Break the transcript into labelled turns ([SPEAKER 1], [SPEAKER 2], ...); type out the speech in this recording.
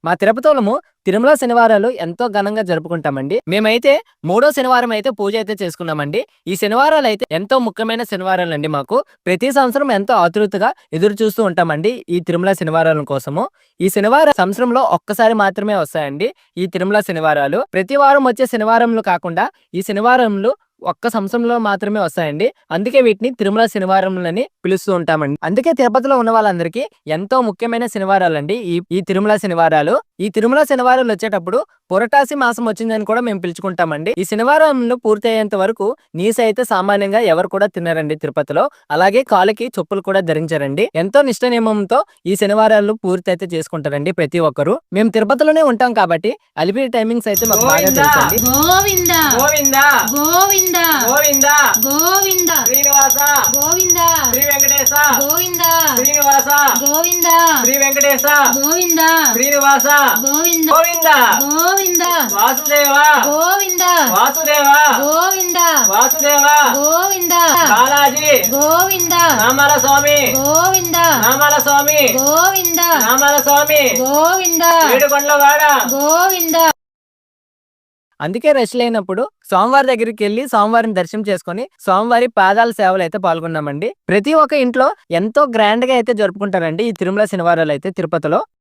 [SPEAKER 1] మా తిరుపతిలోము తిరుమల శనివారాలు ఎంతో ఘనంగా జరుపుకుంటామండి. మేమైతే మూడో శనివారం అయితే పూజ అయితే చేసుకున్నామండి. ఈ శనివారాలు అయితే ఎంతో ముఖ్యమైన శనివారాలండి మాకు. ప్రతి సంవత్సరం ఎంతో ఆతృతగా ఎదురు చూస్తూ ఉంటామండి ఈ తిరుమల శనివారాల కోసము. ఈ శనివారం సంవత్సరంలో ఒక్కసారి మాత్రమే వస్తాయండి ఈ తిరుమల శనివారాలు. ప్రతి వారం వచ్చే శనివారంలు కాకుండా ఈ శనివారంలు ఒక్క సంవత్సరంలో మాత్రమే వస్తాయండి. అందుకే వీటిని తిరుమల శనివారములని పిలుస్తూ ఉంటామండి. అందుకే తిరుపతిలో ఉన్న వాళ్ళందరికీ ఎంతో ముఖ్యమైన శనివారాలండి ఈ తిరుమల శనివారాలు. ఈ తిరుమల శనివారాలు వచ్చేటప్పుడు పురటాసి మాసం వచ్చిందని కూడా మేము పిలుచుకుంటామండి. ఈ శనివారంలో పూర్తి అయ్యేంత వరకు నీసు అయితే సామాన్యంగా ఎవరు కూడా తినరండి తిరుపతిలో. అలాగే కాళ్ళకి చెప్పులు కూడా ధరించారండి. ఎంతో నిష్ట నియమంతో ఈ శనివారాలు పూర్తి అయితే చేసుకుంటారండి ప్రతి ఒక్కరు. మేము తిరుపతిలోనే ఉంటాం కాబట్టి అలిపిరి టైమింగ్స్ అయితే మాకు బాగా తెలుసండి.
[SPEAKER 2] గోవింద
[SPEAKER 1] గోవింద
[SPEAKER 2] గోవింద
[SPEAKER 1] గోవింద
[SPEAKER 2] గోవింద
[SPEAKER 1] శ్రీనివాస
[SPEAKER 2] గోవింద
[SPEAKER 1] శ్రీ వెంకటేశ
[SPEAKER 2] గోవింద
[SPEAKER 1] శ్రీనివాస
[SPEAKER 2] గోవింద
[SPEAKER 1] శ్రీ వెంకటేశ
[SPEAKER 2] గోవింద
[SPEAKER 1] శ్రీనివాస
[SPEAKER 2] గోవింద
[SPEAKER 1] గోవింద
[SPEAKER 2] గోవింద
[SPEAKER 1] వాసుదేవ
[SPEAKER 2] గోవింద
[SPEAKER 1] వాసుదేవ
[SPEAKER 2] గోవింద
[SPEAKER 1] వాసుదేవ
[SPEAKER 2] గోవింద
[SPEAKER 1] బాలాజీ
[SPEAKER 2] గోవింద
[SPEAKER 1] నామాల స్వామి
[SPEAKER 2] గోవింద
[SPEAKER 1] నామాల స్వామి
[SPEAKER 2] గోవింద
[SPEAKER 1] నామాల స్వామి
[SPEAKER 2] గోవింద
[SPEAKER 1] ఏడుకొండలవాడ
[SPEAKER 2] గోవింద.
[SPEAKER 1] అందుకే రష్ లేనప్పుడు స్వామివారి దగ్గరికి వెళ్ళి స్వామివారిని దర్శనం చేసుకుని స్వామివారి పాదాల సేవలు అయితే పాల్గొన్నామండి. ప్రతి ఒక్క ఇంట్లో ఎంతో గ్రాండ్ గా అయితే జరుపుకుంటారండి ఈ తిరుమల శనివారాలు అయితే తిరుపతిలో.